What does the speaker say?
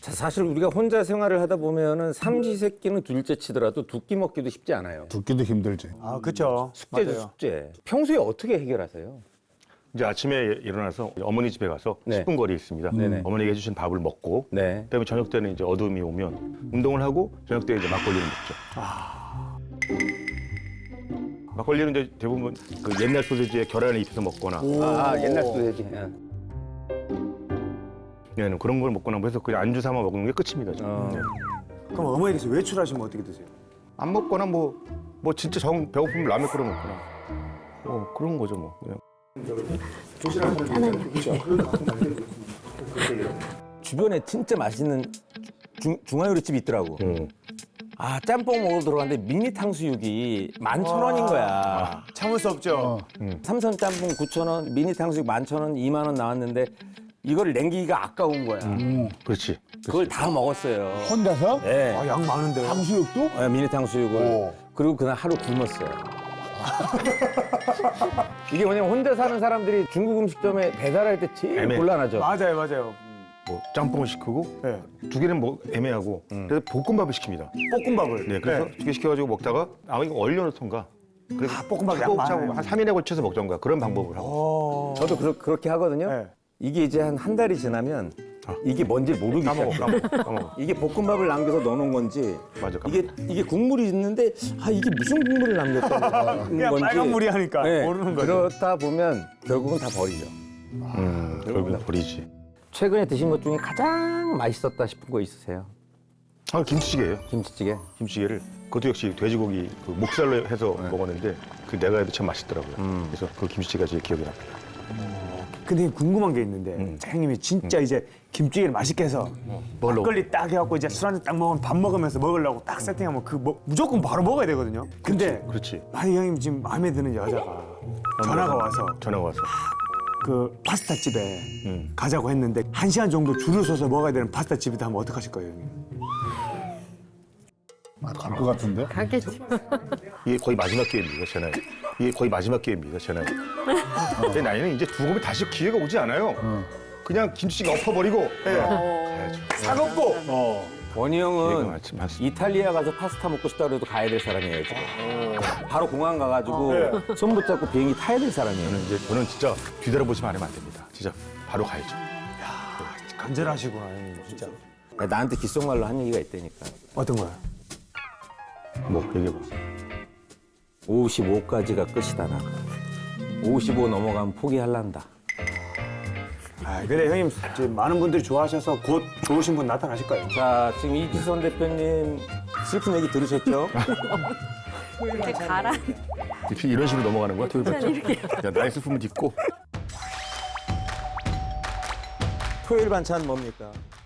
자, 사실 우리가 혼자 생활을 하다 보면은 삼시세끼는 둘째 치더라도 두 끼 먹기도 쉽지 않아요. 두 끼도 힘들지. 아, 그렇죠. 숙제죠, 숙제. 평소에 어떻게 해결하세요? 이제 아침에 일어나서 어머니 집에 가서 네. 10분 거리에 있습니다. 네네. 어머니가 해주신 밥을 먹고 네. 그다음에 저녁 때는 이제 어둠이 오면 운동을 하고 저녁 때 이제 막걸리를 먹죠. 막걸리는 이제 대부분 그 옛날 소세지에 계란을 입혀서 먹거나 옛날 소세지. 예. 네, 그런 걸 먹거나 해서 그냥 안주 삼아 먹는 게 끝입니다. 저는. 네. 그럼 어머니께서 외출하시면 어떻게 드세요? 안 먹거나 뭐 진짜 정 배고프면 라면 끓여 먹거나 그런 거죠 뭐 그냥. 주변에 진짜 맛있는 중화요리집이 있더라고. 아, 짬뽕 먹으러 들어갔는데 미니 탕수육이 11,000원인 거야. 참을 수 없죠. 삼선 짬뽕 9,000원, 미니 탕수육 11,000원, 2만 원 나왔는데 이걸 남기기가 아까운 거야. 그렇지. 그걸 다 먹었어요. 혼자서? 네. 아, 양 많은데. 탕수육도? 네, 미니 탕수육을. 오. 그리고 그날 하루 굶었어요. 이게 뭐냐면 혼자 사는 사람들이 중국 음식점에 배달할 때 제일 애매해. 곤란하죠. 맞아요, 맞아요. 뭐 짬뽕을 시키고 네. 두 개는 뭐 애매하고 그래서 볶음밥을 시킵니다. 볶음밥을. 네, 그래서 두 개 시켜가지고 먹다가 이거 얼려놓던가. 그래서 볶음밥 양 많아요. 한 3일에 걸쳐서 먹던가 그런 방법을 하고. 저도 그렇게 하거든요. 네. 이게 이제 한 달이 지나면 이게 뭔지 모르기 시작해요. 까먹어. 이게 볶음밥을 남겨서 넣어놓은 건지 맞아, 까먹어. 이게 국물이 있는데 이게 무슨 국물을 남겼다는 그냥 건지 빨간 물이 하니까 네, 모르는 거죠. 그렇다 보면 결국은 다 버리죠. 결국은 버리지. 최근에 드신 것 중에 가장 맛있었다 싶은 거 있으세요? 김치찌개예요. 김치찌개? 김치찌개를 그것도 역시 돼지고기 그 목살로 해서 먹었는데 그 내가 해도 참 맛있더라고요. 그래서 그 김치찌개가 제일 기억이 납니다. 근데 궁금한 게 있는데 사장님이 진짜 이제 김치찌개를 맛있게 해서 막걸리 딱 해갖고 이제 술 한잔 딱 먹으면 밥 먹으면서 먹으려고 딱 세팅하면 무조건 바로 먹어야 되거든요. 근데 그렇지. 만약 형님 지금 마음에 드는 여자가 전화가 와서 그 파스타 집에 가자고 했는데 1시간 정도 줄을 서서 먹어야 되는 파스타 집이다 하면 어떡하실 거예요, 형님? 갈 것 같은데? 가겠지. 이게 거의 마지막 기회입니다, 제 나이. 이게 거의 마지막 기회입니다, 제 나이. 제 나이는 이제 두고 다시 기회가 오지 않아요. 그냥 김치찌개 엎어버리고 가야죠. 사먹고 원희 얘가 형은 많습니다. 이탈리아 가서 파스타 먹고 싶다 그래도 가야 될 사람이에요, 지금. 바로 공항 가가지고 손 붙잡고 비행기 타야 될 사람이에요. 저는 진짜 뒤돌아보시면 안 됩니다. 진짜 바로 가야죠. 간절하시구나, 형님 진짜. 나한테 귓속말로 한 얘기가 있다니까. 어떤 거요? 뭐 얘기해봐. 55까지가 끝이다, 나. 55 넘어가면 포기할란다. 아, 그래 형님 지금 많은 분들이 좋아하셔서 곧 좋으신 분 나타나실 거예요. 자, 지금 이지선 대표님 슬픈 얘기 들으셨죠? 이렇게 가라. 이런 식으로 넘어가는 거야? 토요일 반찬? 야, 나의 슬픔을 딛고. 토요일 반찬 뭡니까?